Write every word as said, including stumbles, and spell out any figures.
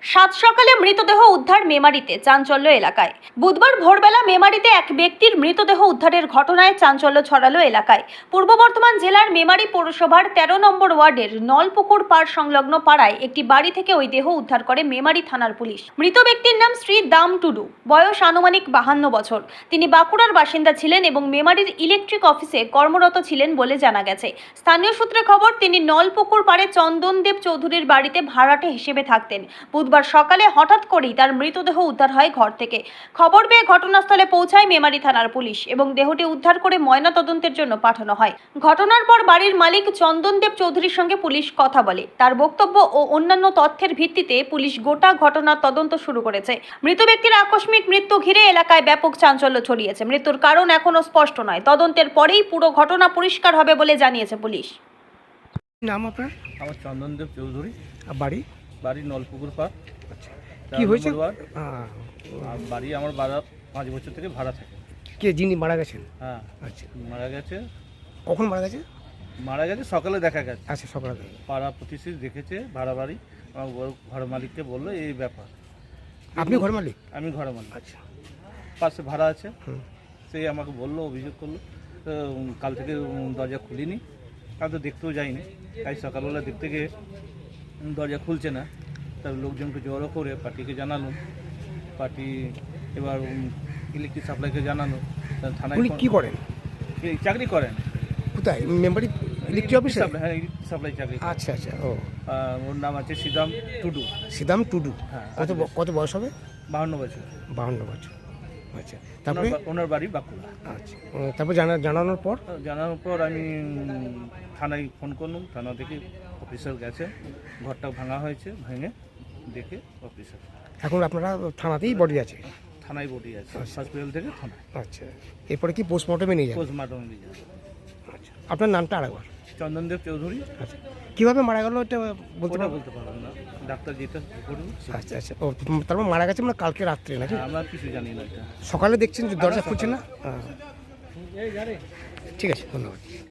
সাত সকালে মৃতদেহ উদ্ধার মেমারিতে, চাঞ্চল্য এলাকায়। বুধবার ভোরবেলা মেমারিতে এক ব্যক্তির মৃতদেহ উদ্ধারের ঘটনায় চাঞ্চল্য ছড়ালো এলাকায়। পূর্ব বর্ধমান জেলার মেমারি পৌরসভার তেরো নম্বর ওয়ার্ডের নলপুকুর পাড় সংলগ্ন পাড়ায় একটি বাড়ি থেকে ওই দেহ উদ্ধার করে মেমারি থানার পুলিশ। মৃত ব্যক্তির নাম শ্রী দাম টুডু, বয়স আনুমানিক বাহান্ন বছর। তিনি বাঁকুড়ার বাসিন্দা ছিলেন এবং মেমারির ইলেকট্রিক অফিসে কর্মরত ছিলেন বলে জানা গেছে। স্থানীয় সূত্রে খবর, তিনি নলপুকুর পাড়ে চন্দনদেব চৌধুরীর বাড়িতে ভাড়াটে হিসেবে থাকতেন। বুধবার সকালে হঠাৎ করেই তার মৃতদেহ উদ্ধার হয় ঘর থেকে। খবর পেয়ে ঘটনাস্থলে পৌঁছায় মেমারি থানার পুলিশ এবং দেহটি উদ্ধার করে ময়নাতদন্তের জন্য পাঠানো হয়। ঘটনার পর বাড়ির মালিক চন্দনদেব চৌধুরীর সঙ্গে পুলিশ কথা বলে। তার বক্তব্য ও অন্যান্য তথ্যের ভিত্তিতে পুলিশ গোটা ঘটনার তদন্ত শুরু করেছে। মৃত ব্যক্তির আকস্মিক মৃত্যু ঘিরে এলাকায় ব্যাপক চাঞ্চল্য ছড়িয়েছে। মৃত্যুর কারণ এখনো স্পষ্ট নয়। তদন্তের পরেই পুরো ঘটনা পরিষ্কার হবে বলে জানিয়েছে পুলিশ। নাম আপনার? আমার চন্দনদেব চৌধুরী। আর বাড়ি? বাড়ি নলপুকুর পাড়। আচ্ছা, কি হয়েছে? আর বাড়ি আমার বাড়া পাঁচ বছর থেকে ভাড়া থাকে। কে যিনি মারা গেছেন? হ্যাঁ, আচ্ছা, মারা গেছে। কখন মারা গেছে? মারা গেছে সকালে দেখা গেছে। আচ্ছা, সকালে। পাড়া প্রতিষ্ঠিত দেখেছে ভাড়া বাড়ি। আমার ঘর মালিককে বললো এই ব্যাপার। আপনি ঘর মালিক? আমি ঘর মালিক। আচ্ছা, পাশে ভাড়া আছে। হুম। সে আমাকে বললো, অভিযোগ করলো। তো কাল থেকে দরজা খুলিনি, আমি তো দেখতেও যাইনি। তাই সকালবেলা দেখতে গিয়ে দরজা খুলছে না। তার লোকজনকে জড়ো করে পার্টিকে জানালো। পার্টি এবার ইলেকট্রিক সাপ্লাইকে জানালো। থানায় উনি কি করেন? চাকরি করেন। কোথায়? মেম্বারি ইলেকট্রিক অফিসে? হ্যাঁ, ইলেকট্রিক সাপ্লাই চাকরি। আচ্ছা আচ্ছা। ও, ওর নাম আছে সিদাম টুডু। সিদাম টুডু। হ্যাঁ। কত কত বয়স হবে? বাহান্ন বছর। বাহান্ন বছর। আচ্ছা, তারপরে? ওনার বাড়ি বাঁকুড়া। আচ্ছা, তারপর জানা জানানোর পর? জানানোর পর আমি থানায় ফোন করলাম। থানা থেকে অফিসার গেছে, ঘরটা ভাঙা হয়েছে, ভেঙে দেখে অফিসার। এখন আপনারা থানাতেই বডি আছে? থানায় বডি আছে, হসপিটাল থেকে থানায়। আচ্ছা, এরপরে কি পোস্টমর্টমে নিয়ে যাবেন? পোস্টমর্টমে নিয়ে যাবে। আচ্ছা, আপনার নামটা আরেকবার? চন্দনদেব চৌধুরী। আচ্ছা, কীভাবে মারা গেল এটা বলতে ওটা বলতে পারলাম না, ডাক্তার যেটা করুন। আচ্ছা আচ্ছা। ও, তারপর মারা গেছে মানে কালকে রাত্রে নাকি? আমরা কিছু জানি না। এটা সকালে দেখছেন যে দরজা খুলছে না? হ্যাঁ, ঠিক আছে, ধন্যবাদ।